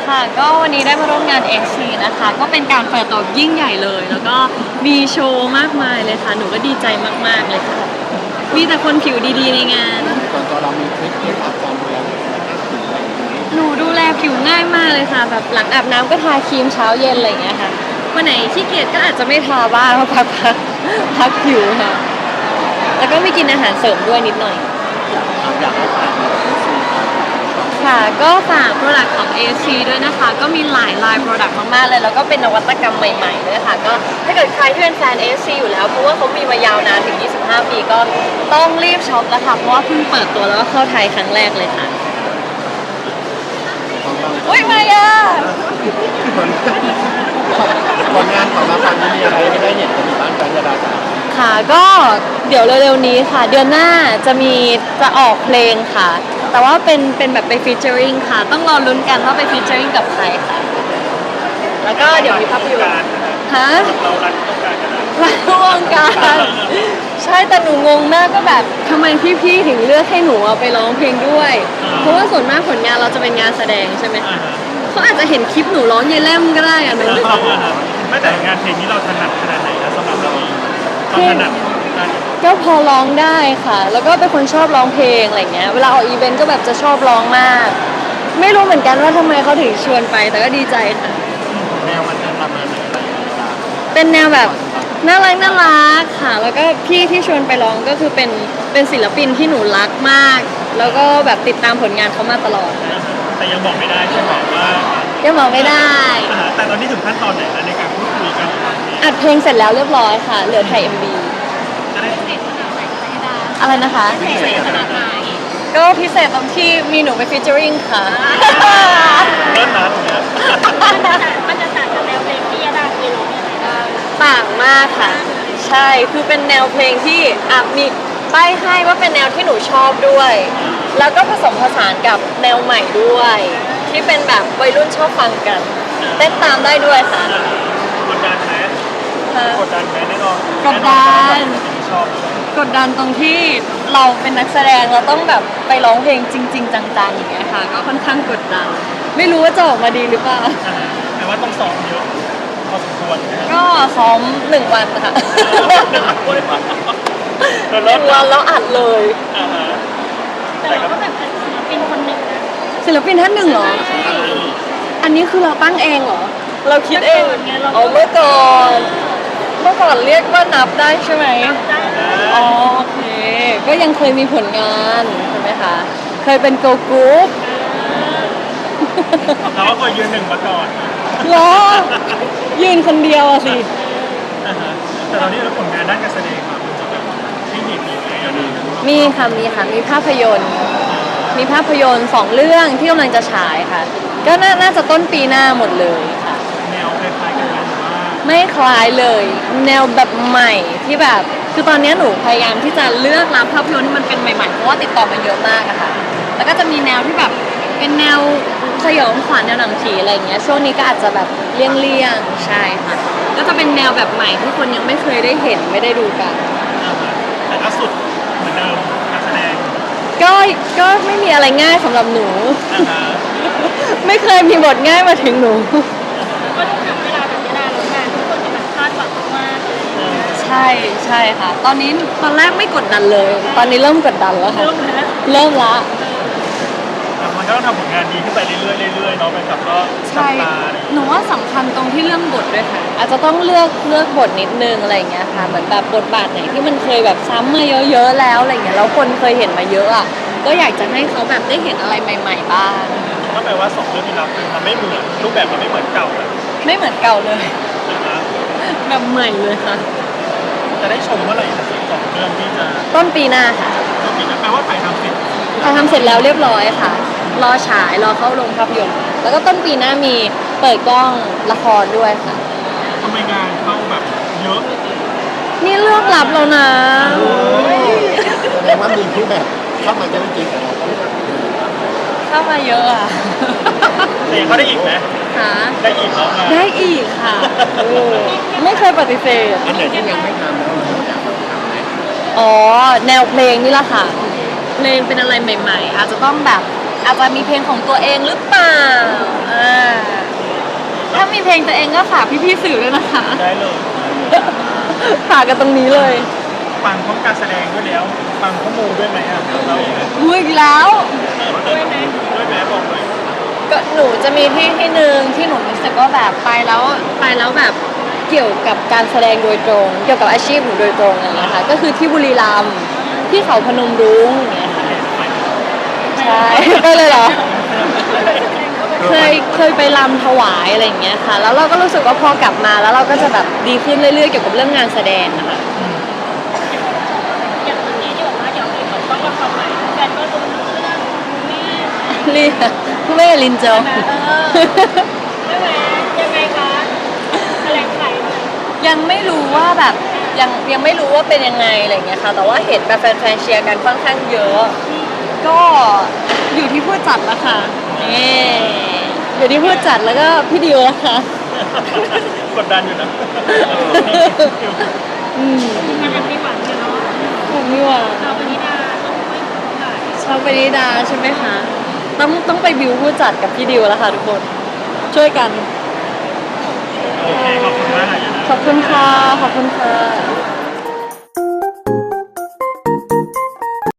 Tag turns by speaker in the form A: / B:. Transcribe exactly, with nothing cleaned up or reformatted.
A: ค่ะก็วันนี้ได้มาร่วมงาน เอ ซี นะคะก็เป็นการเปิดตัวยิ่งใหญ่เลย แล้วก็มีโชว์มากมายเลยค่ะหนูก็ดีใจมากๆเลยค่ะมีแต่คนผิวดีๆในงาน
B: ส่วนตัวเรามีทริคเคล็ดลับการดูแลผิวอะไรอย่างนี้
A: หนูดูแลผิวง่ายมากเลยค่ะแบบหลังอาบน้ำก็ทาครีมเช้าเย็นอะไรอย่างเงี้ยค่ะวันไหนขี้เกียจก็อาจจะไม่ทาบ้างเพราะพักพักพักผิวค่ะแล้วก็มีกินอาหารเสริมด้วยนิดหน่อย
B: อยากให้ฝาก
A: ค่ะก็ฝาก Product ของ เอ ซี ด้วยนะคะก็มีหลายลาย Product มากๆเลยแล้วก็เป็นนวัตกรรมใหม่ๆด้วยค่ะก็ถ้าเกิดใครที่เป็นแฟน เอ ซี อยู่แล้วเพราะว่าเขามีมายาวนานถึงยี่สิบห้าปีก็ต้องรีบช็อปแล้วค่ะเพราะว่าเพิ่งเปิดตัวแล้วก็เข้าไทยครั้งแรกเลยค่ะอุ้ยมายา
B: ผลงานของเราครั้งนี้มีอะไรให้ได้เห็นกันบ้างกันยาดาจ๋า
A: ค่ะก็เดี๋ยวเร็วๆนี้ค่ะเดือนหน้าจะมีจะออกเพลงค่ะแต่ว่าเป็นเป็นแบบไปฟีเจอริงค่ะต้องรอลุ้นกันว่าไปฟีเจอริงกับใครค่ะแล้วก็เดี๋ยวมีภาพยนตร์ฮะ
B: เรารันต้องการกันนะ
A: รันวงการใช่แต่หนูงงมากก็แบบทำไมพี่ๆถึงเลือกให้หนูเอาไปร้องเพลงด้วย เพราะว่าส่วนมากผลงานเราจะเป็นงานแสดงใช่ไหมคะเขาอาจจะเห็นคลิปหนูร้องเยเล่มก็ได้อะหนู
C: ไม่แต่งานเพลงนี้เราถนัดขนาดไหนนะสำหรับเราเองความถนัดการ
A: ก็พอร้องได้ค่ะ แล้วก็เป็นคนชอบร้องเพลงอะไรเงี้ยเวลาออกอีเวนต์ก็แบบจะชอบร้องมาก ไม่รู้เหมือนกันว่าทำไมเขาถึงชวนไปแต่ก็ดีใจค่ะ
B: แนวมันจะประมาณไหนอะไรอย่างเงี้ย
A: เป็นแนวแบบน่ารักน่ารักค่ะ แล้วก็พี่ที่ชวนไปร้องก็คือเป็นเป็นศิลปินที่หนูรักมาก แล้วก็แบบติดตามผลงานเขามาตลอดค่ะ
C: แต่ยังบอกไม่ได้ใช่ไหมว่า
A: ยังบอกไม่ได้
C: อ่าแต่ตอนนี้ถึงขั้นตอนไหนแล้วในการพูดคุยกัน
A: อัดเพลงเสร็จแล้วเรียบร้อยค่ะ เหลือถ่าย เอ็ม วี
C: จะได้
A: อะไรนะคะ
C: พิเศษขนาดไหน
A: ก็พิเศษตรงที่มีหนูไปฟีเจอริงค่ะ
C: เริ่มนะตรงเนี้ย
D: มันจะต่างจากแนวเพลงที่ยาดาเคยร้องยังไงบ้าง
A: ต่างมากค่ะ ใช่คือเป็นแนวเพลงที่อ่ะมีป้ายให้ว่าเป็นแนวที่หนูชอบด้วย แล้วก็ผสมผสานกับแนวใหม่ด้วย ที่เป็นแบบวัยรุ่นชอบฟังกัน เต้นตามได้ด้วยค่ะ
C: กดดันไหม
A: ค่ะ
C: กดดันไหมแน่นอน
A: กดดัน
C: ชอบ
A: กดดันตรงที่เราเป็นนักแสดงเราต้องแบบไปร้องเพลงจริง ๆ จังๆอย่างเงี้ยค่ะ ก็ค่อนข้างกดดัน ไม่รู้ว่าจะออกมาดีหรือเปล่า
C: อ่าแต่ว่าต้องซ้อมเยอะพอสมควรนะ
A: ก็ซ้อมหนึ่งวันค่ะ
C: เรา
A: ห
C: เริ่
A: นึ่
C: ม
A: งวันแล้วอัดเลย
C: อ่าฮะ
D: แต่เราก็แบบเป็นศิลปินคนหนึ่งนะ
A: ศิลปินท่านหนึ่งเหรอ อันนี้คือเราตั้งเองเหรอ เราคิดเองอ๋อเมื่อก่อน เมื่อก่อนเรียกว่านับได้ใช่ไหม
D: ได้
A: อ๋อโอเค ก็ยังเคยมีผลงานใช่ไหมคะ เคยเป็นโกลกรุ๊ป
C: เราก็เคยยืนหนึ่งมาก่อน
A: เหรอ ยืนคนเดียวอะสิ
C: อ่าฮะแต่ตอนนี้เราผลงานด้านการแสดงมามันจะแบบที่เห็นมีอะไรอย่างนี้
A: มีค่ะ มีค่ะ มีภาพยนตร์ มีภาพยนตร์สองเรื่องที่กำลังจะฉายค่ะ ก็น่าน่าจะต้นปีหน้าหมดเลยค่ะ
C: แนวคล้ายๆกันไหมหรือว่า
A: ไม่คล้ายเลย แนวแบบใหม่ที่แบบ คือตอนนี้หนูพยายามที่จะเลือกรับภาพยนตร์ที่มันเป็นใหม่ๆ เพราะว่าติดต่อมาเยอะมากอะค่ะ แล้วก็จะมีแนวที่แบบเป็นแนวสยองขวัญแนวหนังผีอะไรอย่างเงี้ย ช่วงนี้ก็อาจจะแบบเลี่ยงๆ ใช่ค่ะ ก็จะเป็นแนวแบบใหม่ที่คนยังไม่เคยได้เห็นไม่ได้ดูกัน
C: อ่าฮะแต่ก็สุดเหมือนเดิมการแสดง
A: ก็ ก็ไม่มีอะไรง่ายสำหรับหนู
C: อ่าฮะ
A: ไม่เคยมีบทง่ายมาถึงหนู
D: ก็ต้องทำเวลาแบบยาดาแล้วกันทุกคนจะแบบคาดหวังมากๆเลย
A: ใช่ใช่ค่ะ ตอนนี้ตอนแรกไม่กดดันเลย ตอนนี้เริ่มกดดันแล้วค่ะ
D: เริ่มแล้ว
A: เริ่มละ
C: แต่มันก็ต้องทำผลงานดีขึ้นไปเรื่อยๆเรื่อยๆเนาะไปกับก็
A: ใช่
C: จับตาอะไรอย่าง
A: ห
C: เงี้ย
A: นูว่าสำคัญตรงที่เรื่องบทด้วยค่ะ อาจจะต้องเลือกเลือกบทนิดนึงอะไรอย่างเงี้ยค่ะ เหมือนแบบบทบาทไหนที่มันเคยแบบซ้ำมาเยอะๆแล้วอะไรอย่างเงี้ย แล้วคนเคยเห็นมาเยอะอ่ะ ก็อยากจะให้เขาแบบได้เห็นอะไรใหม่ ๆ บ้าง
C: ก็แปลว่าสองเรื่องที่รับคือมันไม่เหมือนรูปแบบมันไม่เหมือนเก่าเลย
A: ไม่เหมือนเก่าเลย
C: นะฮะ
A: แบบใหม่เลยค่ะ
C: จะได้ชมเมื่อไหร่นะสองเรื่องที่จะ
A: ต้นปีหน้าค่ะ
C: ก็มีนะแปลว่าถ่ายทำเสร็จ
A: เราทำเสร็จแล้วเรียบร้อยค่ะ รอฉาย รอเข้าโรงภาพยนตร์ แล้วก็ต้นปีหน้ามีเปิดกล้องละครด้วยค่ะ
C: ทำไมงานเข้าแบบเยอะ
A: นี่เลือกรับแล้วนะ
B: แสดงว่ามีผู้แบบเข้ามาเยอะจริงแต่เราก็ไม่ได้
A: เข้ามาเยอะอ่ะ
C: แต่ยังเขาได้อีกไหม
A: หา
C: ได้อีกแล้วไง
A: ได้อีกค่ะเออไม่เคยปฏิเสธ
B: อันไหนที่ยังไม่ทำแล้วเราอยากทำไหม
A: อ๋อ แนวเพลงนี่แหละค่ะ เพลงเป็นอะไรใหม่ๆ อาจจะต้องแบบอาจจะมีเพลงของตัวเองหรือเปล่าอ่าถ้ามีเพลงตัวเองก็ฝากพี่ๆสื่อด้วยนะคะ
C: ได้เลย
A: ฝากกันตรงนี้เลย
C: ฟังพร้อมการแสดงด้วยแล้วฟังข้อมูลด้วยไหมอ่ะเราเอง
A: อุ้ยอีกแล้ว
C: ด้วยไหมด้วยไหมบอกเลย
A: ก็หนูจะมีที่ที่หนึ่งที่หนูรู้สึกว่าแบบไปแล้วไปแล้วแบบเกี่ยวกับการแสดงโดยตรง เกี่ยวกับอาชีพหนูโดยตรงอะไรอย่างเงี้ยค่ะก็คือที่บุรีรัมย์ที่เขาพนมรุ้งอย่างเงี้ยค่ะใช่ไปเลยเหรอ เคยเคยไปรำถวายอะไรอย่างเงี้ยค่ะ แล้วเราก็รู้สึกว่าพอกลับมาแล้วเราก็จะแบบดีขึ้นเรื่อยๆเกี่ยวกับเรื่องงานแสดงนะคะ
D: อย่างวันนี้ที่บอกว่าเดี๋ยวมีเปิดกล้องละครใหม่แฟนก็รู้เรื่องแม่
A: เรียกคุณแม่ลินโจ
D: นะเออใช่ไหมยังไงคะแถลงไขหน่อย
A: ยังไม่รู้ว่าแบบยังยังไม่รู้ว่าเป็นยังไงอะไรอย่างเงี้ยค่ะ แต่ว่าเห็นแบบแฟนๆเชียร์กันค่อนข้างเยอะ ก็อยู่ที่ผู้จัดละค่ะนี่อยู่ที่ผู้จัดแล้วก็พี่ดิวละค่ะ
C: กดดันอยู่นะ
A: อืม
D: มันยังมีหวังอยู่เนาะ
A: ผมมีหวัง
D: เราวันนี้ดาต้องไม่ถ่าย
A: ชอบไปนิดาใช่ไหมคะ ต้องต้องไปบิวผู้จัดกับพี่ดิวแล้วค่ะทุกคน ช่วยกัน
C: โอเคขอบคุณมากนะ
A: ขอบคุณค่ะ ขอบคุณค่ะ